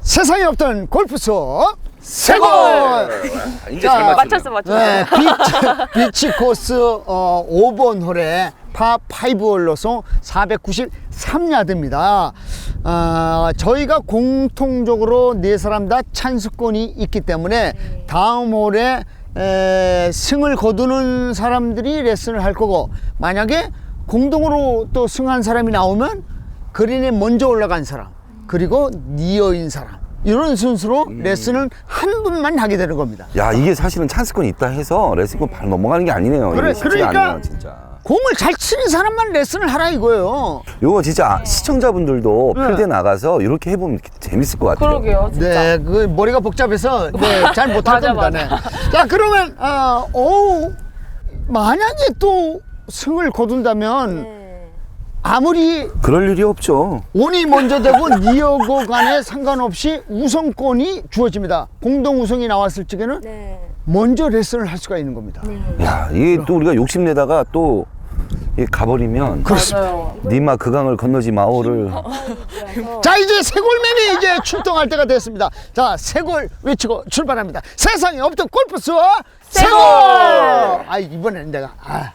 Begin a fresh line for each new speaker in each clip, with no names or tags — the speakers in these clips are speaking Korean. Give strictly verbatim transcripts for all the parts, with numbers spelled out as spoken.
세상에 없던 골프 수업 세골!
이제 잘
맞췄어, 맞췄어.
네, 비치, 비치 코스 어, 오 번 홀에 파 오 홀로서 사백구십삼 야드입니다. 어, 저희가 공통적으로 네 사람 다 찬스권이 있기 때문에
네.
다음 홀에 에, 승을 거두는 사람들이 레슨을 할 거고, 만약에 공동으로 또 승한 사람이 나오면 그린에 먼저 올라간 사람, 그리고 니어인 사람, 이런 순서로
음.
레슨을 한 분만 하게 되는 겁니다.
야, 이게 사실은 찬스권이 있다 해서 레슨권 바로 넘어가는 게 아니네요.
그래,
이게 쉽지가
그러니까
않네요, 진짜.
공을 잘 치는 사람만 레슨을 하라 이거예요.
요거 진짜 시청자분들도
네.
필드에 나가서 이렇게 해보면 재밌을 것 같아요.
그러게요, 진짜.
네, 그 머리가 복잡해서 네, 잘 못할
맞아,
겁니다. 네. 자, 그러면 어, 오, 만약에 또 승을 거둔다면
네.
아무리
그럴 일이 없죠.
온이 먼저 되고 니어고 간에 상관없이 우선권이 주어집니다. 공동 우승이 나왔을 적에는
네.
먼저 레슨을 할 수가 있는 겁니다.
야, 이게 또 우리가 욕심내다가 또 이게 가버리면
그렇습니다.
맞아요.
니마 그 강을 건너지 마오를.
자, 이제 세골맨이 이제 출동할 때가 됐습니다. 자, 세골 외치고 출발합니다. 세상에 없던 골프 수업 세골! 아, 이번에는 내가 아.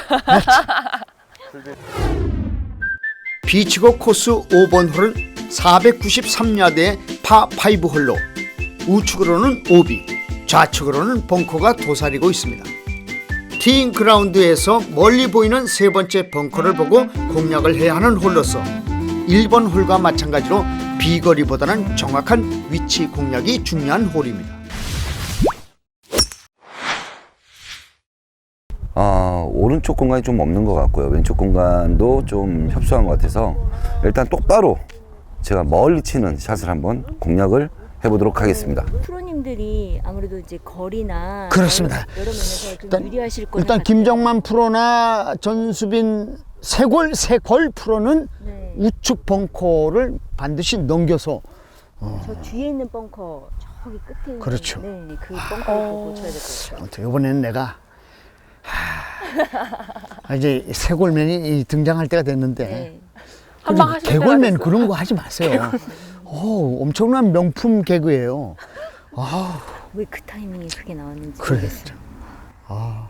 비치고 코스 오 번 홀은 사백구십삼 야드의 파 오 홀로 우측으로는 오비, 좌측으로는 벙커가 도사리고 있습니다. 티잉 그라운드에서 멀리 보이는 세 번째 벙커를 보고 공략을 해야 하는 홀로서 일 번 홀과 마찬가지로 비거리보다는 정확한 위치 공략이 중요한 홀입니다.
아, 오른쪽 공간이 좀 없는 것 같고요. 왼쪽 공간도 좀 협소한 것 같아서 일단 똑바로 제가 멀리 치는 샷을 한번 공략을 해보도록 하겠습니다.
프로님들이 아무래도 이제 거리나
그렇습니다.
여러 면에서 좀
일단,
유리하실 거는
일단 김정만 프로나 전수빈 세골 세골 프로는
네.
우측 벙커를 반드시 넘겨서
저 뒤에 있는 벙커 저기 끝에 있는
그렇죠.
네, 그 벙커를 보고 쳐야 될 것 같아요.
아무튼 이번에는 내가 하, 이제 세골맨이 등장할 때가 됐는데
네.
한방 하실 때가
개골맨
됐어요.
그런 거 하지 마세요. 오, 엄청난 명품 개그예요. 아,
왜 그 타이밍에 그게 나왔는지
그래.
모르겠어요.
아.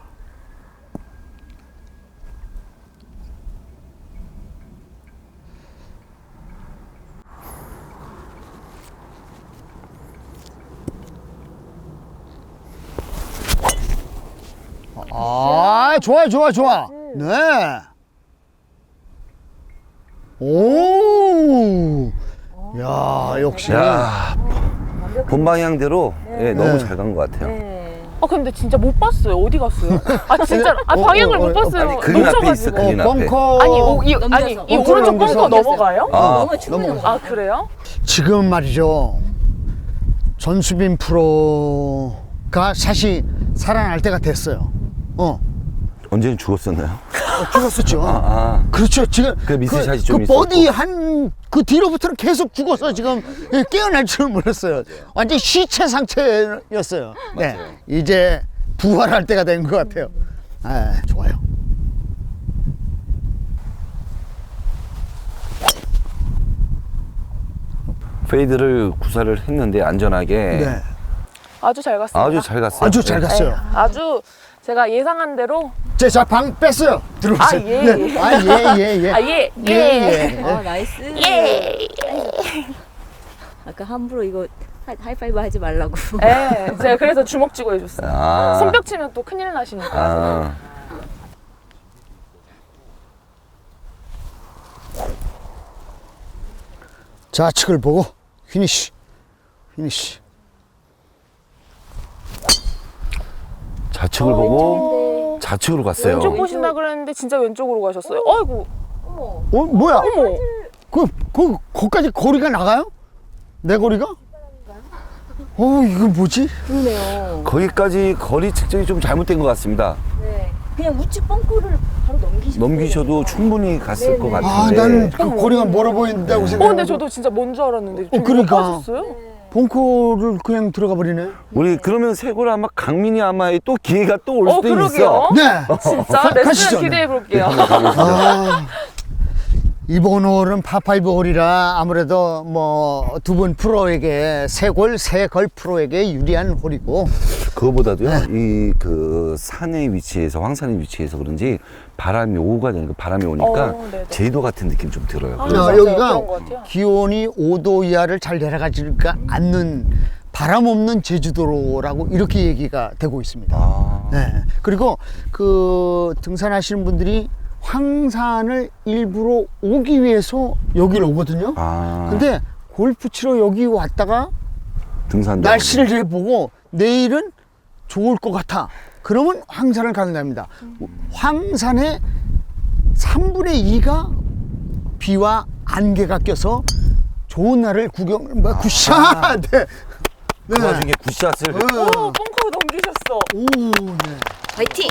아, 좋아, 좋아, 좋아. 네. 오, 야, 역시.
야, 본 방향대로 예, 너무
네.
잘 간 것 같아요.
네.
아, 근데 진짜 못 봤어요. 어디 갔어요? 아, 진짜. 아,
어,
방향을
어,
못
어,
봤어요.
아니, 그린 앞에 있어,
넘쳐가지고.
그린 앞에.
벙커.
아니, 오, 이,
넘겨서.
아니, 이
벙커를
오른쪽
넘겨서.
벙커 넘어가요?
아,
너무 충분히
넘어가.
넘어가.
아, 그래요?
지금 말이죠. 전수빈 프로가 사실 살아날 때가 됐어요. 어,
언제는 죽었었나요?
어, 죽었었죠.
아, 아.
그렇죠. 지금
그 미스샷이
그,
좀
그
있었고.
버디 한 그 뒤로부터는 계속 죽어서 지금 깨어날 줄은 몰랐어요. 완전 시체 상태였어요. 네, 이제 부활할 때가 된 것 같아요. 아, 좋아요.
페이드를 구사를 했는데 안전하게
네,
아주 잘 갔습니다.
아주 잘 갔어요.
아주 잘
네.
갔어요.
네, 아주 제가 예상한 대로.
제 자 방 뺐어요. 들어오세요.
아, 예.
네. 아, 예, 예, 예.
아, 예.
예, 예.
아, 나이스.
예.
아까 함부로 이거 하, 하이파이브 하지 말라고.
네, 제가 그래서 주먹 쥐고 해줬어요.
아.
손뼉 치면 또 큰일 나시니까.
아.
좌측을 보고 피니쉬. 피니쉬.
좌측을 보고 좌측으로 갔어요.
왼쪽 보신다 그랬는데 진짜 왼쪽으로 가셨어요. 아이고.
어머.
어, 뭐야?
어머.
그, 그, 거기까지 거리가 나가요? 내 거리가? 어, 이거 뭐지?
그러네요.
거기까지 거리 측정이 좀 잘못된 것 같습니다.
네. 그냥 우측 벙커를 바로 넘기시면
넘기셔도 충분히 갔을 것
아,
같은데.
나는 그 거리가 멀어 보인다고
어,
생각.
근데 저도 진짜 뭔 줄 알았는데.
어, 그러니까.
가셨어요?
벙커를 그냥 들어가 버리네.
우리 그러면 세골 아마 강민이 아마 또 기회가 또 올
어,
수도
그러게요.
있어.
네.
진짜
가-
레슨
가시죠.
기대해 볼게요.
아, 이번 홀은 파파이브 홀이라 아무래도 뭐 두 분 프로에게 세골 세걸 프로에게 유리한 홀이고
그거보다도요, 이 그 산의 위치에서, 황산의 위치에서 그런지 바람이 오후가 되니까 바람이 오니까
어, 네네.
제도 같은 느낌 좀 들어요.
아,
그래서
어,
맞아요.
여기가
그런 것 같아요.
기온이 오 도 이하를 잘 내려가지가 않는 바람 없는 제주도라고 이렇게 얘기가 되고 있습니다.
아,
네. 그리고 그 등산하시는 분들이 황산을 일부러 오기 위해서 여기를 오거든요.
아,
근데 골프 치러 여기 왔다가
등산도
날씨를 해보고 내일은 좋을 것 같아. 그러면 황산을 가는답니다. 황산의 삼분의 이가 비와 안개가 껴서 좋은 날을 구경, 뭐, 굿샷! 네.
그 와중에 굿샷을
오, 벙커 넘기셨어.
오, 네.
화이팅!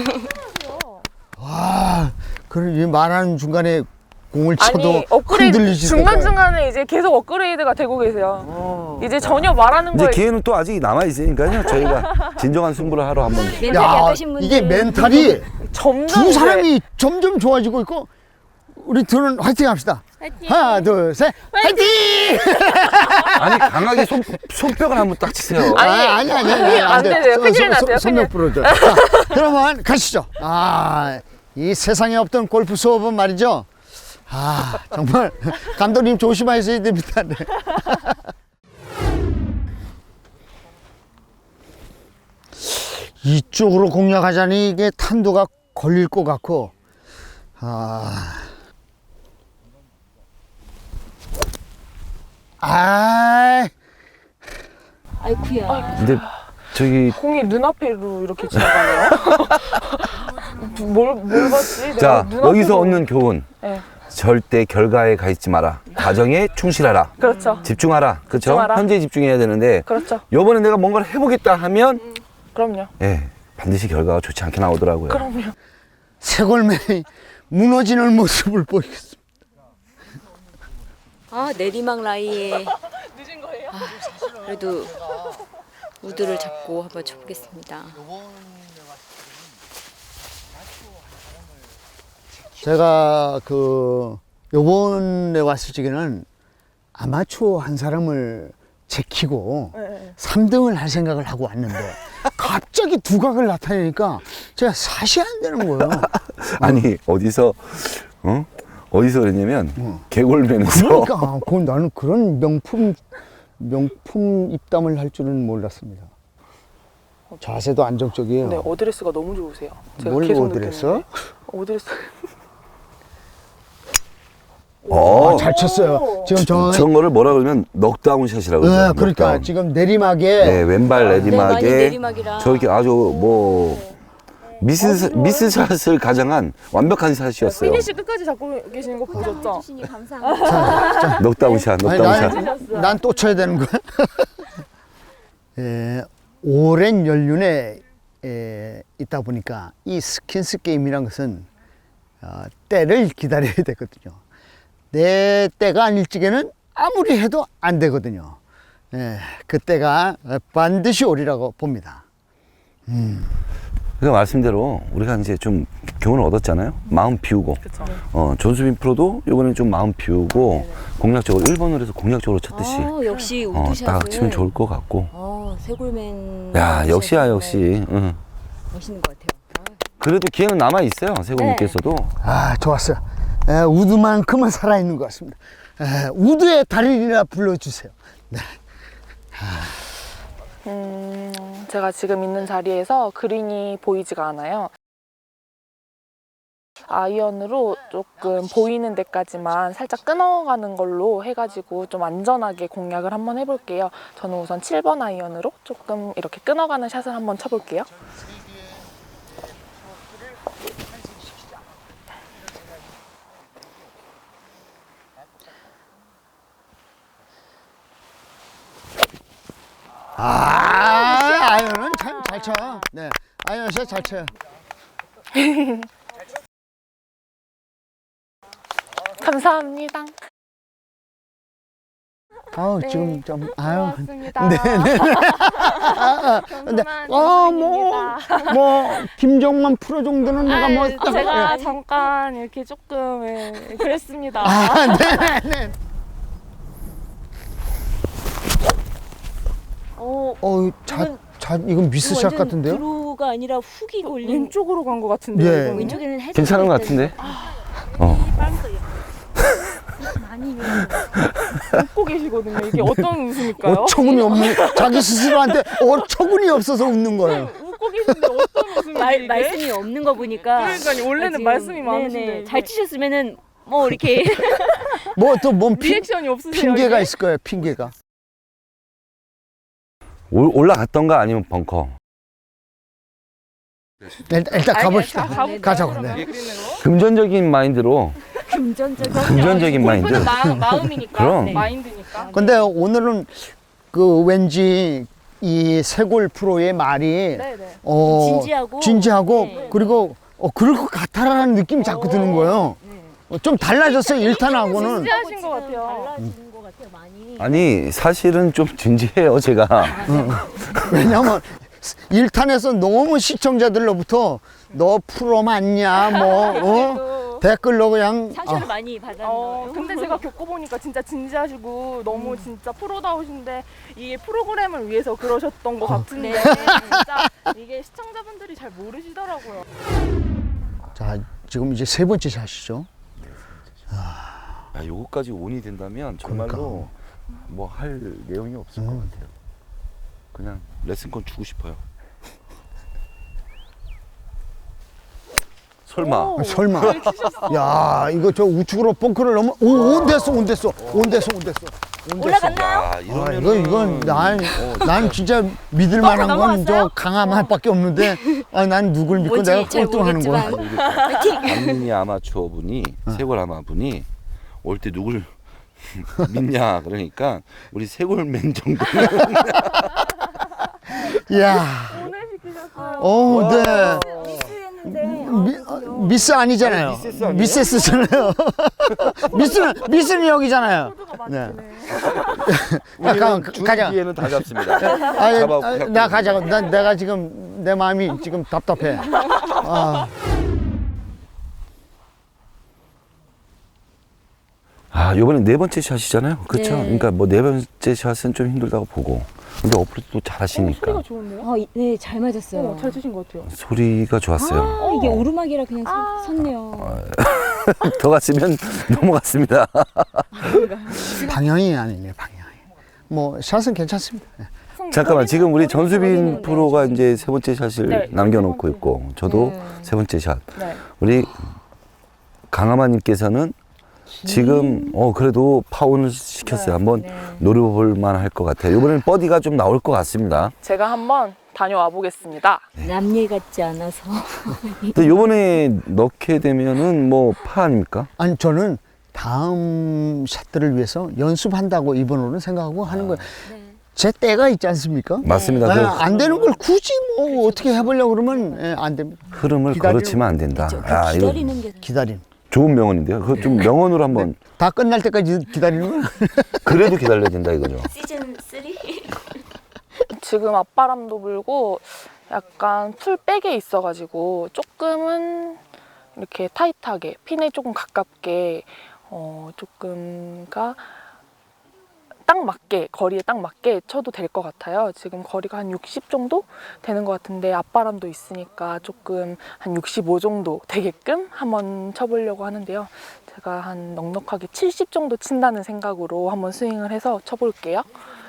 와, 그래, 말하는 중간에 공을 쳐도
아니, 업그레이드
흔들리시고.
중간중간에 이제 계속 업그레이드가 되고 계세요. 이제 전혀 말하는
이제
거에
기회는 또 아직 남아 있으니까요. 저희가 진정한 승부를 하러 한번.
멘탈이
야,
약하신 분들
이게 멘탈이
점점
두
이제
사람이 점점 좋아지고 있고, 우리 둘은 화이팅 합시다.
화이팅!
하나, 둘, 셋, 화이팅!
아니 강하게 손 손뼉을 한번 딱 치세요.
아니,
아, 아니, 아니, 아니,
안
돼.
되네요.
손-
큰일
손-
났어요,
손- 손목 부러져. 자, 그러면 가시죠. 아, 이 세상에 없던 골프 수업은 말이죠. 아, 정말 감독님 조심하셔야 됩니다. 네. 이쪽으로 공략하자니 이게 탄도가 걸릴 것 같고, 아, 아,
아이쿠야.
근데 저기
공이 눈앞으로 이렇게 지나가네요. 뭘, 뭘 봤지? 내가
자
눈앞으로-
여기서 얻는 교훈.
네.
절대 결과에 가 있지 마라. 과정에 충실하라.
그렇죠.
집중하라. 그렇죠?
집중하라.
현재에 집중해야 되는데
그렇죠.
요번에 내가 뭔가를 해보겠다 하면
그럼요.
예 반드시 결과가 좋지 않게 나오더라고요.
그럼요.
세골맨이 무너지는 모습을 보이겠습니다.
아, 내리막 라이에.
늦은 거예요?
아, 그래도 우드를 잡고 한번 쳐보겠습니다.
제가 그 요번에 왔을 적에는 아마추어 한 사람을 제키고
네.
삼 등을 할 생각을 하고 왔는데 갑자기 두각을 나타내니까 제가 사시 안 되는 거예요.
아니 어디서 어 어디서 그랬냐면 개골면에서
그러니까 그 나는 그런 명품 명품 입담을 할 줄은 몰랐습니다. 자세도 안정적이에요.
네, 어드레스가 너무 좋으세요. 제가
뭘
계속
어드레스?
느꼈는데. 어드레스.
어,
아, 잘 쳤어요. 지금 저
저런 거를 뭐라 그러면 넉다운 샷이라고
네,
그러죠.
그러니까
넉다운.
지금 내리막에
네, 왼발
네, 많이
내리막에
내리막이라.
저렇게 아주 뭐 미스 미스 샷을 가장한 완벽한 샷이었어요.
피니시 끝까지 잡고 계시는 거 보셨죠?
주시니 감사합니다.
넉다운 샷,
아니,
넉다운 샷.
난 또 쳐야 되는 거야? 에, 오랜 연륜에 에, 있다 보니까 이 스킨스 게임이란 것은 어, 때를 기다려야 되거든요. 내 때가 아닐 적에는 아무리 해도 안 되거든요. 예, 그 때가 반드시 오리라고 봅니다.
그 말씀대로 우리가 이제 좀 교훈을 얻었잖아요. 마음 비우고.
그쵸.
어, 존수빈 프로도 이번엔 좀 마음 비우고 공략적으로 일 번으로 해서 공략적으로 쳤듯이
아, 역시
어,
우드샷을.
딱 치면 좋을 것 같고.
어, 세골맨.
야, 역시야
우드샷은
역시. 응.
멋있는 것 같아요.
그래도 기회는 남아 있어요. 세골님께서도.
아, 좋았어요. 에, 우드만큼은 살아있는 것 같습니다. 에, 우드의 달인이라 불러주세요. 네.
음, 제가 지금 있는 자리에서 그린이 보이지가 않아요. 아이언으로 조금 보이는 데까지만 살짝 끊어가는 걸로 해가지고 좀 안전하게 공략을 한번 해볼게요. 저는 우선 칠 번 아이언으로 조금 이렇게 끊어가는 샷을 한번 쳐볼게요.
아, 아이언은 참 잘 쳐. 네, 아이언 샷 잘 쳐요.
감사합니다.
아우
네.
지금 좀 아유.
고맙습니다.
네, 네. 아, 근데
겸손한
어뭐뭐
정승입니다.
뭐 김정만 프로 정도는 내가 뭐
아, 제가 잠깐 이렇게 조금 예, 그랬습니다.
아, 네, 네.
어,
어, 자,
이건-
자, 이건 미스샷
완전
같은데요?
드로우가 아니라 훅이 올린.
왼쪽으로 간 것 같은데.
예.
이거는?
왼쪽에는 해저드
괜찮은 것
있다는
같은데? 어.
많이
웃고 계시거든요. 이게 어떤 웃음일까요?
어처구니 없는 자기 스스로한테 어처구니 없어서 웃는 거예요.
웃고 계신데 어떤 웃음이지
말,
이게?
말씀이 없는 거 보니까.
그러니까요. 원래는
지금,
말씀이 많으신데
네네.
이게
잘 치셨으면은 뭐 이렇게
뭐 또 뭔
리액션이 없으세요.
핑계가
이게?
있을 거예요. 핑계가.
올- 올라갔던가 아니면 벙커.
일단, 일단
아니,
가봅시다.
자, 가볼까요,
가자고.
그러면?
네.
그리는 거?
금전적인 마인드로
금전적인.
금전적인 마인드.
골프는 마, 마음이니까.
그럼.
네. 마인드니까.
근데 오늘은 그 왠지 이 세골 프로의 말이
네네.
어,
진지하고.
진지하고
네.
그리고 어, 그럴 것 같아라는 느낌이 자꾸 드는 거예요.
네.
어, 좀 달라졌어요. 일 탄하고는.
진지하신 것 같아요.
달라지는 것 같아요, 많이.
아니 사실은 좀 진지해요 제가.
왜냐면 일 탄에서 너무 시청자들로부터 너 프로 맞냐 뭐 어?
그래도
댓글로 그냥
상처를
아,
많이 받았나
어,
봐요.
근데 제가 겪어보니까 진짜 진지하시고 너무 진짜 프로다우신데 이게 프로그램을 위해서 그러셨던 것 같은데
네.
진짜 이게 시청자분들이 잘 모르시더라고요.
자 지금 이제 세 번째 샷이죠.
야, 요거까지 온이 된다면 정말로 뭐 할 내용이 없을 것
음.
같아요. 그냥 레슨권 주고 싶어요. 설마.
오,
아, 설마.
잘 치셨어.
야 이거 저 우측으로 벙커를 넘어 오온 됐어 온 됐어 온 됐어 온 됐어 온 됐어.
올라갔나요?
야,
아,
이러면은
이거 이건 난, 난 진짜 믿을 만한 건 저 강함할밖에 없는데 아, 난 누굴 믿고
뭔지
내가
잘
꼴등하는 거야.
모르겠지만.
박민희 아마추어 분이 세골 아마 분이 올 때 누굴 믿냐 그러니까 우리 세골맨 정도는
이야,
오늘 시키셨어요.
어, 네.
미스했는데.
미, 어, 미스 아니잖아요.
아니, 미세스 아니에요?
미세스잖아요. 미스는 미스는 여기잖아요.
코드가
네.
맞네.
잠깐
우리는
가자.
준 기회는 다 잡습니다.
아,
잡아,
아,
잡고.
나 가자고. 난 내가 지금 내 마음이 지금 답답해. 아,
아, 요번에 네 번째 샷이잖아요. 그렇죠?
네.
그러니까 뭐 네 번째 샷은 좀 힘들다고 보고. 근데 어플도
어,
잘하시니까
소리가 좋은데요?
어, 이- 네, 잘 맞았어요.
어, 잘 치신 것 같아요.
소리가 좋았어요.
아, 이게 오르막이라 그냥 서-
아.
섰네요.
더 갔으면 넘어갔습니다.
방향이 아니네, 방향이. 뭐 샷은 괜찮습니다.
잠깐만, 지금 우리
네,
전수빈
네.
프로가 이제 세 번째 샷을
네,
남겨놓고
세 번째.
있고, 저도
네.
세 번째 샷.
네.
우리 강하마님께서는 지금 어 그래도 파혼을 시켰어요.
네,
한번
네.
노려볼 만할 것 같아요. 이번엔 버디가 좀 나올 것 같습니다.
제가 한번 다녀와 보겠습니다.
남일 같지 않아서.
근데 이번에 넣게 되면은 뭐 파 아닙니까?
아니 저는 다음 샷들을 위해서 연습한다고 이번 홀은 생각하고 하는 거예요.
네.
제 때가 있지 않습니까?
맞습니다.
아,
그
안 되는 걸 굳이 뭐 어떻게 해보려고 그러면 예, 안 됩니다.
흐름을
기다리는-
거르치면 안 된다.
그렇죠. 그
아, 이거
기다리는 게.
기다림.
좋은 명언인데요. 그거 좀 명언으로 한번
다 끝날 때까지 기다리는 거야.
그래도 기다려야 된다 이거죠.
시즌 삼?
지금 앞바람도 불고 약간 풀백에 있어가지고 조금은 이렇게 타이트하게 핀에 조금 가깝게 어 조금가 딱 맞게 거리에 딱 맞게 쳐도 될 것 같아요. 지금 거리가 한 육십 정도 되는 것 같은데 앞바람도 있으니까 조금 한 육십오 정도 되게끔 한번 쳐보려고 하는데요. 제가 한 넉넉하게 칠십 정도 친다는 생각으로 한번 스윙을 해서 쳐볼게요.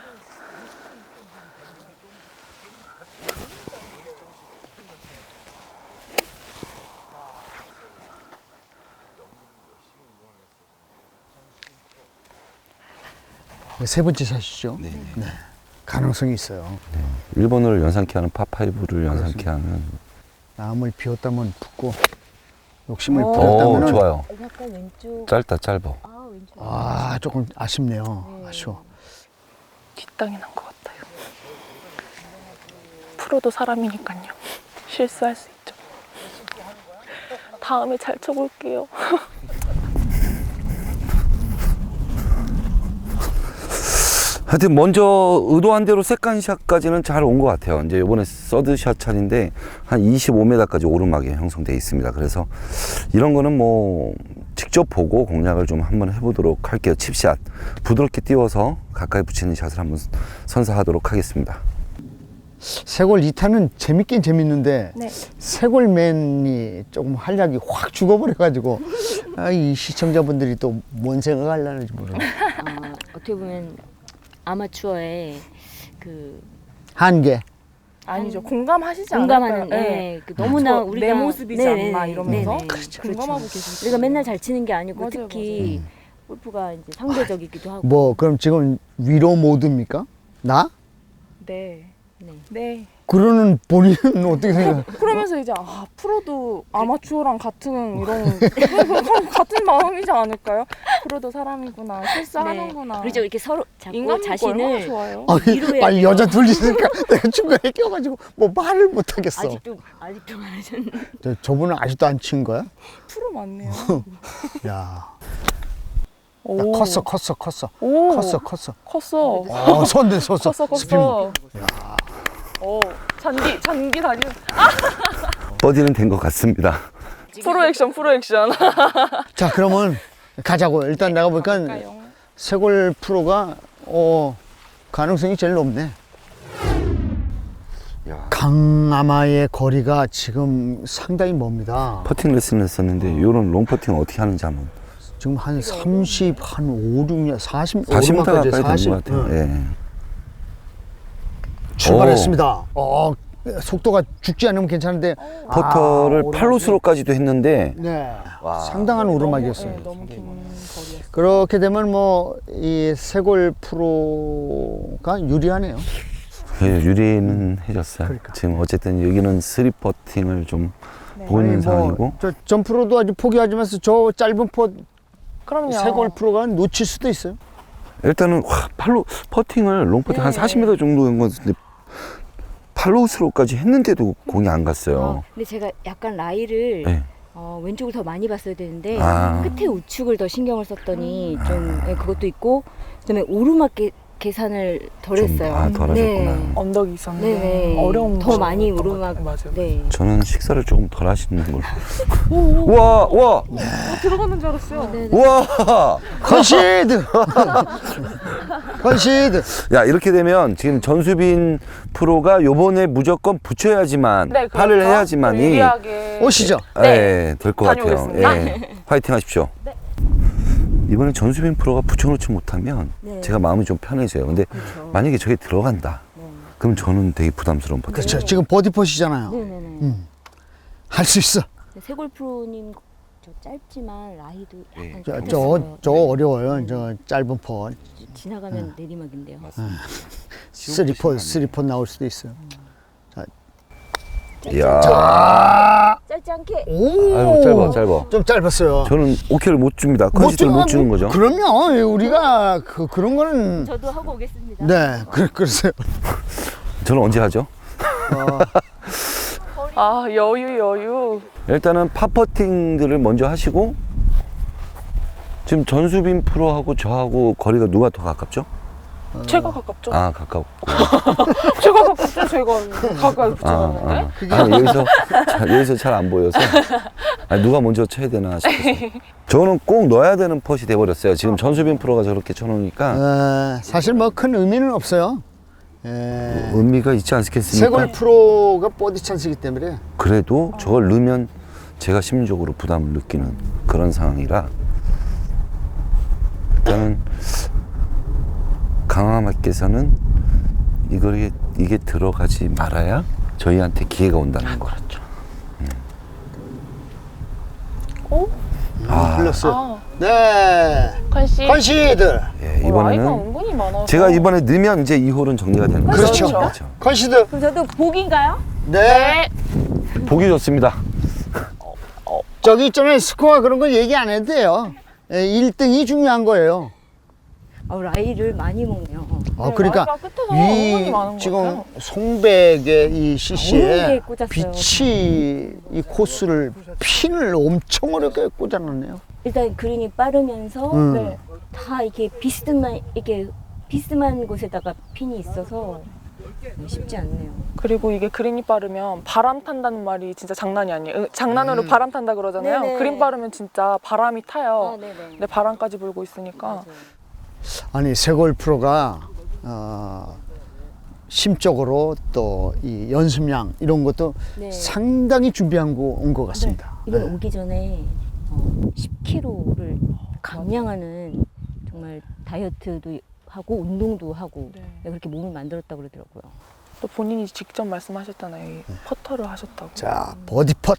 세 번째 샷이죠.
네.
네. 가능성이 있어요.
일본어를 연상케 하는 파파이브를 연상케 하는.
마음을 비웠다면 붓고 욕심을
오.
오,
부렸다면
좋아요.
약간 왼쪽.
짧다 짧아.
아, 왼쪽.
아 조금 아쉽네요.
네.
아쉬워.
뒷땅이 난 것 같아요. 프로도 사람이니까요. 실수할 수 있죠. 다음에 잘 쳐볼게요.
하여튼 먼저 의도한 대로 세컨샷까지는 잘 온 것 같아요. 이제 이번에 서드샷 차인데 한 이십오 미터까지 오르막이 형성되어 있습니다. 그래서 이런 거는 뭐 직접 보고 공략을 좀 한번 해보도록 할게요. 칩샷 부드럽게 띄워서 가까이 붙이는 샷을 한번 선사하도록 하겠습니다.
세골 이 타는 재밌긴 재밌는데
네.
세골맨이 조금 활약이 확 죽어버려가지고 아, 이 시청자분들이 또 뭔 생각하려는지 모르겠어요.
어, 어떻게 보면 아마추어의 그
한계.
아니죠. 공감하시지
공감하는
않을까요?
예, 그 너무나
저
우리가
내 모습이지
네네,
않나 이러면서
네네.
공감하고 계시죠.
우리가 맨날 잘 치는 게 아니고
맞아요,
특히 골프가 이제 상대적이기도 하고
뭐 그럼 지금 위로 모드입니까? 나?
네.
네.
네.
그러는 본인은 어떻게 생각해요?
그러면서 이제 아, 프로도 아마추어랑 같은 이런 같은 마음이지 않을까요? 프로도 사람이구나, 실수하는구나.
네. 그렇죠. 이렇게 서로 자꾸
인간 얼마나
자신을
좋아요.
아니,
위로해야
아니
돼요.
여자 둘이 있으니까 내가 중간에 껴가지고 뭐 말을 못 하겠어.
아직도 아직도 안 하셨는데.
저, 저분은 아직도 안 친 거야?
프로 맞네요.
야,
오.
야 컸어, 컸어, 컸어,
오.
컸어, 컸어.
컸어.
어, 손대, 섰어.
컸어,
스피드.
컸어. 오, 잔디, 잔디 다리.
버디는 된 것 같습니다.
프로 액션, 프로 액션.
자, 그러면 가자고. 일단 내가 보니까 세골 프로가 어, 가능성이 제일 높네.
야.
강아마의 거리가 지금 상당히 멉니다.
퍼팅 레슨을 했었는데 이런 롱 퍼팅 어떻게 하는지 한번
지금 한 삼십, 한 오, 육 년, 사십,
사십 미터
오르막까지
가까이
사십,
된 것 같아요.
응.
예.
출발했습니다. 어, 속도가 죽지 않으면 괜찮은데
퍼터를
아,
팔로스로까지도 했는데
네,
와.
상당한 오르막이었어요.
네, 너무 긴 거리였어요.
그렇게 되면 뭐 이 세골 프로가 유리하네요.
예, 유리는 해줬어요.
그러니까.
지금 어쨌든 여기는 쓰리 퍼팅을 좀
네.
보고 있는
아니,
상황이고
뭐, 저 전 프로도 아주 포기하지면서 저 짧은 퍼
그럼요.
세골 프로가 놓칠 수도 있어요.
일단은 와, 팔로 퍼팅을 롱 퍼팅 한
네.
사십 미터 정도 한 건데 팔로우스로까지 했는데도 공이 안 갔어요.
어, 근데 제가 약간 라이를
네.
어, 왼쪽을 더 많이 봤어야 되는데
아.
끝에 우측을 더 신경을 썼더니 좀 예, 그것도 있고 그다음에 오르막 계, 계산을 덜
좀,
했어요.
아, 덜 하셨구나.
언덕이 있었는데
네네.
어려운
더
곳이
많이
있었던 것
오르막
같아요. 맞아요.
네.
저는 식사를 조금 덜 하시는 걸로. 우와, 우와,
어, 들어가는 줄 알았어요.
네.
우와.
컨시드! 컨시드!
야, 이렇게 되면 지금 전수빈 프로가 요번에 무조건 붙여야지만
네, 그렇죠.
팔을 해야지만이
유리하게
오시죠.
예, 될 것 같아요.
다녀오겠습니다.
예. 화이팅 하십시오.
네.
이번에 전수빈 프로가 붙여놓지 못하면
네.
제가 마음이 좀 편해져요. 근데
그렇죠.
만약에 저게 들어간다.
네.
그럼 저는 되게 부담스러운 퍼팅.
그렇죠. 지금 버디퍼시잖아요.
네네네.
음. 할 수 있어.
세골 프로님 저 짧지만 라이도 약간
네.
저,
좀
저,
어렸어요.
저
네.
어려워요. 저 짧은 퍼.
지나가면 내리막인데요.
쓰리퍼, 쓰리퍼 나올 수도 있어요.
이야.
아,
짧지 않게.
오!
아이고, 짧아, 짧아.
좀 짧았어요.
저는 오케이를 못 줍니다. 컨시드를 못 주는 거죠.
그럼요. 우리가 그, 그런 거는.
저도 하고 오겠습니다.
네, 그, 그러세요.
저는 언제 하죠?
아 여유 여유.
일단은 파퍼팅들을 먼저 하시고 지금 전수빈 프로하고 저하고 거리가 누가 더 가깝죠?
제가 가깝죠.
아, 가깝고.
제가 가깝죠. 제가 가까이
아,
붙여놨는데.
아. 아니, 여기서 자, 여기서 잘 안 보여서 아니, 누가 먼저 쳐야 되나 싶어서. 저는 꼭 넣어야 되는 펫이 돼버렸어요. 지금 전수빈 프로가 저렇게 쳐놓으니까
어, 사실 뭐 큰 의미는 없어요. 에,
의미가 있지 않겠습니까?
세골 프로가 버디 찬스이기 때문에.
그래도 저걸 넣으면 제가 심리적으로 부담을 느끼는 그런 상황이라 일단은 강화마께서는 이걸 이게 들어가지 말아야 저희한테 기회가 온다는 거. 그렇죠.
오?
아,
불렀어요.
아
네.
컨시.
컨시드.
예,
어, 아이가
이번에는
은근히 많아서.
제가 이번에 넣으면 이제 이 홀은 정리가 되는 거죠.
그렇죠.
그렇죠.
컨시드.
그럼 저도 복인가요?
네.
네.
보기 좋습니다.
저기 있잖아요. 스코어 그런 거 얘기 안 해도 돼요. 에, 일 등이 중요한 거예요.
어, 라이를 많이 먹네요.
아,
네,
그러니까
라이가 끝에서 은근히
이
많은 것
지금
같아요.
송백의 이
어려운
씨씨에
게 꽂았어요.
빛이 이 코스를 핀을 엄청 어렵게 꽂아놨네요.
일단 그린이 빠르면서
음.
네.
다 이렇게 비스듬한 이렇게 비스만 곳에다가 핀이 있어서 쉽지 않네요.
그리고 이게 그린이 빠르면 바람 탄다는 말이 진짜 장난이 아니에요. 으, 장난으로
음.
바람 탄다 그러잖아요.
네네.
그린 빠르면 진짜 바람이 타요.
아, 네네.
근데 바람까지 불고 있으니까
맞아요.
아니 세골 프로가 어, 심적으로 또 이 연습량 이런 것도
네.
상당히 준비한 거 온 것 같습니다.
이번
네.
오기 전에 어, 십 킬로그램를 감량하는 정말 다이어트도 하고 운동도 하고
네.
네, 그렇게 몸을 만들었다고 그러더라고요.
또 본인이 직접 말씀하셨잖아요. 이 퍼터를 하셨다고.
자 버디 펫.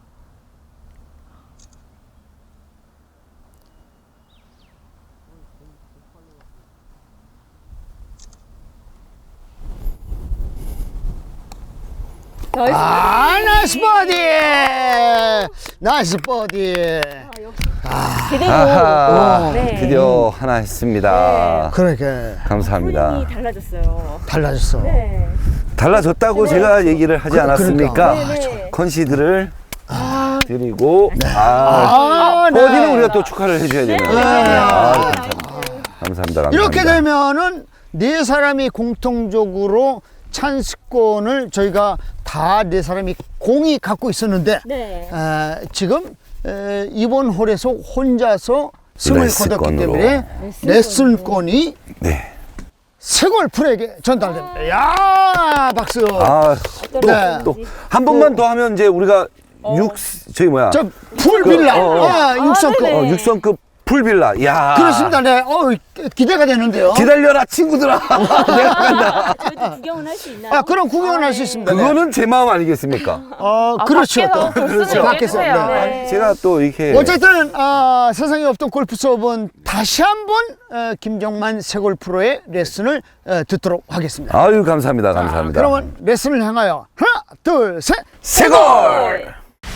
아 나이스 버디, 나이스 버디.
제대로
아하,
네.
드디어 하나 했습니다.
그러게
감사합니다.
이 달라졌어요.
달라졌어.
네.
달라졌다고
네.
제가 얘기를 하지
그-
않았습니까?
그러니까.
네, 네.
컨시드를 드리고 아,
아, 네.
버디는 우리가 또 축하를 해줘야 되는.
네.
아, 감사합니다. 감사합니다. 감사합니다.
이렇게 되면은 네 사람이 공통적으로 찬스권을 저희가 다 네 사람이 공이 갖고 있었는데
네.
에, 지금 에, 이번 홀에서 혼자서 승을 거뒀기
레슨권으로.
때문에
레슨권.
레슨권이
네.
세골 프로에게 전달됩니다. 야 박수.
아,
네.
또 한 번만 더 하면 이제 우리가 육 저기 뭐야?
저 풀빌라,
그, 어, 어.
아, 육성급.
네네.
어, 육성급 풀빌라. 야.
그렇습니다. 네, 어, 기대가 되는데요.
기다려라 친구들아. 내가 간다.
저희도 구경은 할 수 있나요?
아, 그럼 구경을
아,
할 수
네.
있습니다. 네.
그거는 제 마음 아니겠습니까?
어,
아,
그렇죠.
밖에서
또.
볼 수는
밖에서.
있겠어요.
네.
네.
제가 또 이렇게
어쨌든 아, 세상에 없던 골프 수업은 다시 한번 어, 김정만 세골 프로의 레슨을 어, 듣도록 하겠습니다.
아유 감사합니다. 감사합니다.
그러면 레슨을 향하여 하나, 둘, 셋.
세골.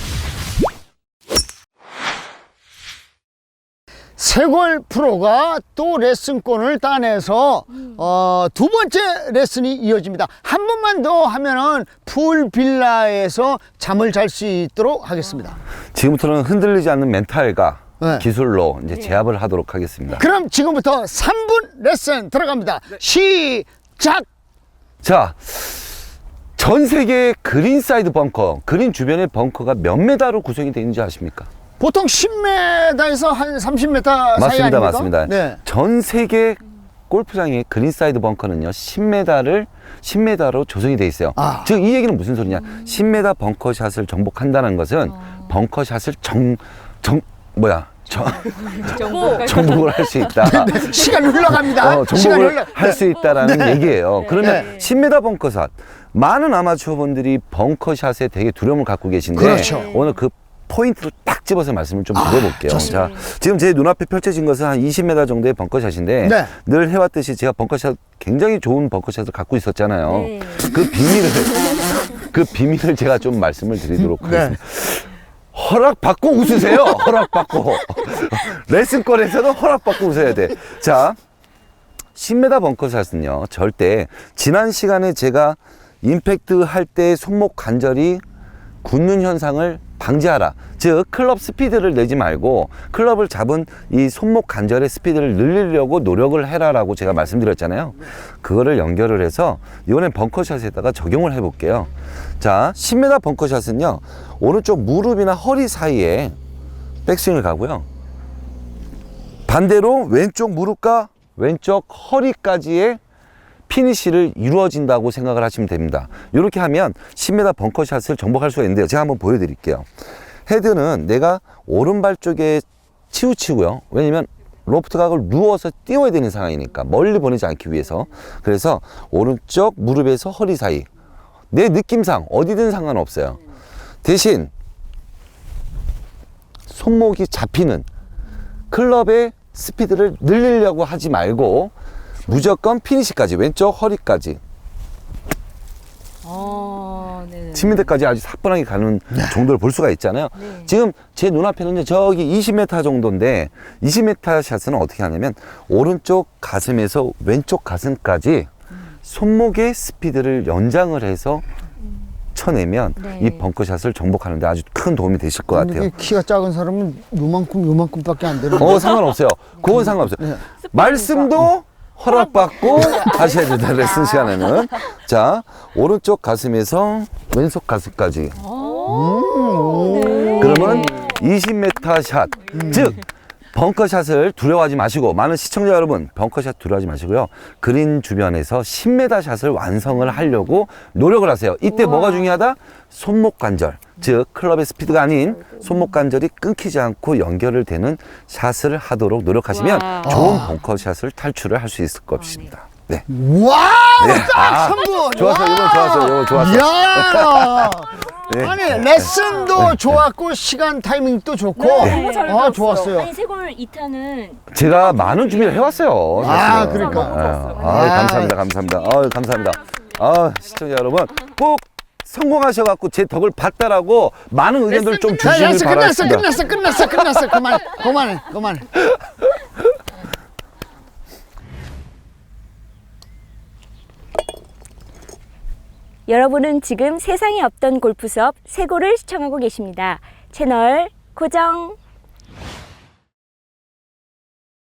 세골 프로가 또 레슨권을 따내서 어, 두 번째 레슨이 이어집니다. 한 번만 더 하면은 풀 빌라에서 잠을 잘 수 있도록 하겠습니다.
지금부터는 흔들리지 않는 멘탈과
네.
기술로 이제 제압을 하도록 하겠습니다.
그럼 지금부터 삼 분 레슨 들어갑니다. 시작.
자, 전 세계 그린 사이드 벙커, 그린 주변의 벙커가 몇 메다로 구성이 되는지 아십니까?
보통 십 미터에서 한 삼십 미터 사이
맞습니다,
아닙니까?
맞습니다.
네.
전 세계 골프장의 그린 사이드 벙커는요, 십 미터를 십 미터로 조성이 돼 있어요.
아.
즉, 이 얘기는 무슨 소리냐? 십 미터 벙커샷을 정복한다는 것은 벙커샷을 정, 정, 뭐야? 정,
정보.
정복을 할 수 있다.
시간 흘러갑니다.
어,
시간
정복을
흘러.
할 수 있다라는
네.
얘기예요. 그러면
네.
십 미터 벙커샷. 많은 아마추어분들이 벙커샷에 되게 두려움을 갖고 계신데
그렇죠.
오늘 그 포인트를 딱 집어서 말씀을 좀 드려볼게요.
좋습니다.
자, 지금 제 눈앞에 펼쳐진 것은 한 이십 미터 정도의 벙커샷인데
네.
늘 해왔듯이 제가 벙커샷 굉장히 좋은 벙커샷을 갖고 있었잖아요.
네.
그 비밀을 그 비밀을 제가 좀 말씀을 드리도록
네.
하겠습니다. 허락받고 웃으세요. 허락받고. 레슨권에서는 허락받고 웃어야 돼. 자, 십 미터 벙커샷은요, 절대 지난 시간에 제가 임팩트 할 때 손목 관절이 굳는 현상을 방지하라. 즉, 클럽 스피드를 내지 말고 클럽을 잡은 이 손목 관절의 스피드를 늘리려고 노력을 해라라고 제가 말씀드렸잖아요. 그거를 연결을 해서 이번엔 벙커샷에다가 적용을 해볼게요. 자, 십 미터 벙커샷은요, 오른쪽 무릎이나 허리 사이에 백스윙을 가고요. 반대로 왼쪽 무릎과 왼쪽 허리까지의 피니시를 이루어진다고 생각을 하시면 됩니다. 이렇게 하면 십 미터 벙커샷을 정복할 수가 있는데요. 제가 한번 보여드릴게요. 헤드는 내가 오른발 쪽에 치우치고요. 왜냐면 로프트 각을 누워서 띄워야 되는 상황이니까 멀리 보내지 않기 위해서. 그래서 오른쪽 무릎에서 허리 사이, 내 느낌상 어디든 상관없어요. 대신 손목이 잡히는 클럽의 스피드를 늘리려고 하지 말고 무조건 피니시까지, 왼쪽 허리까지,
아, 네.
십 미터까지 아주 사뿐하게 가는 정도를 볼 수가 있잖아요.
네.
지금 제 눈앞에는 저기 이십 미터 정도인데 이십 미터 샷은 어떻게 하냐면 오른쪽 가슴에서 왼쪽 가슴까지 손목의 스피드를 연장을 해서 쳐내면
네.
이 벙커샷을 정복하는데 아주 큰 도움이 되실 것 같아요.
근데 키가 작은 사람은 요만큼 요만큼밖에 안 되는데.
어, 상관없어요. 그건 상관없어요.
네.
말씀도 허락받고 하셔야 된다. 레슨 시간에는. 자, 오른쪽 가슴에서 왼쪽 가슴까지. 그러면 이십 미터 샷. 즉, 벙커샷을 두려워하지 마시고, 많은 시청자 여러분, 벙커샷 두려워하지 마시고요. 그린 주변에서 십 미터 샷을 완성을 하려고 노력을 하세요. 이때 뭐가 중요하다? 손목 관절. 즉, 클럽의 스피드가 아닌 손목 관절이 끊기지 않고 연결을 되는 샷을 하도록 노력하시면
와.
좋은 벙커샷을 탈출을 할 수 있을 것입니다. 네.
와우,
네.
딱
아,
삼 분.
좋았어, 이번 좋았어, 이번 좋았어.
이야.
네.
아니, 레슨도 좋았고, 시간 타이밍도 좋고.
네, 너무 잘
아,
배웠어요.
좋았어요.
아니 세골 이 타는
제가 많은 준비를 해왔어요.
아,
사실은.
그러니까.
아, 아, 감사합니다, 감사합니다. 아, 감사합니다. 아, 시청자 여러분, 꼭 성공하셔갖고 제 덕을 봤다라고 많은 의견들 좀
자,
주시길
됐어, 끝났어,
바랍니다.
끝났어, 끝났어, 끝났어. 그만, 그만해, 그만해.
여러분은 지금 세상에 없던 골프 수업 세골을 시청하고 계십니다. 채널 고정.